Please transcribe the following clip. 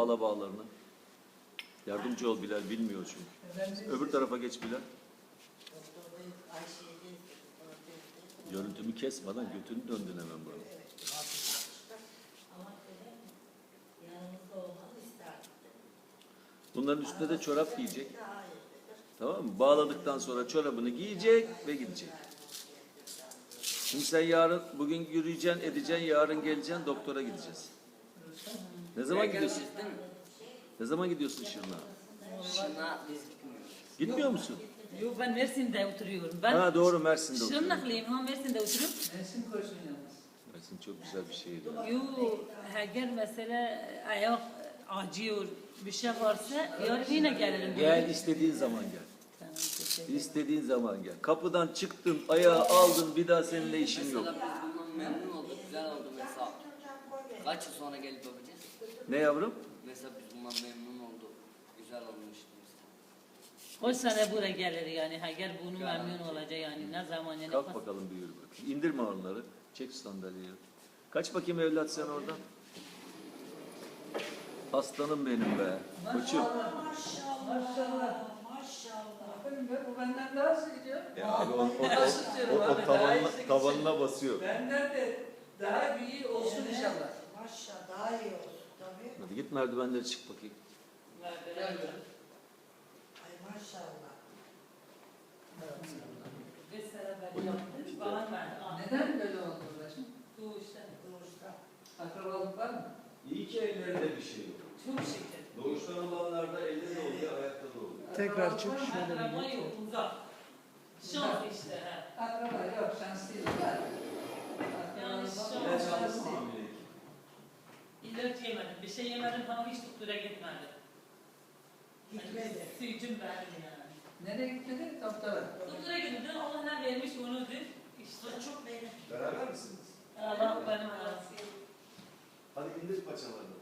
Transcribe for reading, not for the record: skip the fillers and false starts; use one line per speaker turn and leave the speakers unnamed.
bağla bağlarını. Yardımcı ol Bilal, bilmiyor çünkü. Öbür tarafa geç Bilal. Görüntümü kesmeden götünü döndün hemen bana. Bunların üstüne de çorap giyecek. Tamam mı? Bağladıktan sonra çorabını giyecek ve gidecek. Şimdi sen yarın, bugün yürüyeceksin, edeceksin, yarın geleceksin, doktora gideceğiz. Ne zaman gidiyorsun? Ne zaman gidiyorsun Şırnak'a?
Şırnak'a biz gitmiyoruz.
Gitmiyor musun?
Yok, ben Mersin'de oturuyorum. Ben
Ha doğru, Mersin'de oturuyorum.
Şırnaklıyım ama Mersin'de oturuyorum.
Mersin koşun yalnız.
Mersin çok güzel bir şehir.
Yok, eğer mesela ayak acıyor, bir şey varsa yarın yine gelirim.
Gel, istediğin zaman gel.
Tamam, teşekkür ederim.
İstediğin zaman gel. Kapıdan çıktın, ayağı aldın, bir daha seninle işin yok.
Mesela biz bundan memnun olduk, güzel oldu mesela. Kaç yıl sonra gelip bakacağız?
Ne yavrum?
Mesela biz bundan memnun olduk, güzel olmuştu mesela.
O sene buraya gelir yani. Eğer bunu memnun olacak yani. Ne zaman yani.
Kalk bakalım bir yürü bakayım. İndirme onları. Çek sandalyeyi. Kaç bakayım evlat sen oradan. Aslanım benim be. Koçum.
Maşallah. Aferin be, bu benden daha hızlı gidiyor.
Ya abi
o
tavanına basıyor.
Benden de daha iyi olsun inşallah.
Maşallah daha iyi olsun tabii.
Hadi git merdivenleri çık bakayım.
Ay maşallah.
Mesela ben yaptım. Bana verdi.
Neden böyle oldu uğraşın?
Doğuştan.
Doğuşta.
Akrabalık var mı?
İyi ki ellerinde bir şey yok.
Çok şeker.
Doğuştan olanlarda elde de oluyor, ayakta da oluyor.
Tekrar çık
Akraba yok, uzak. Şans işte. He.
Akraba yok, şanslıyız. Var.
Yani
İlaç
şans.
aldın mı hamilelik?
İlaç yemedim. Bir şey yemedim ama hiç doktora gitmedim.
Gitmedi.
Sütüm verdim yani.
Nereye gitmedi? Doktora.
Doktora gittim. Allah ne vermiş onudur. İşte
Çok benim.
Beraber misiniz?
Allah benim arası.
Hadi indir paçalarını.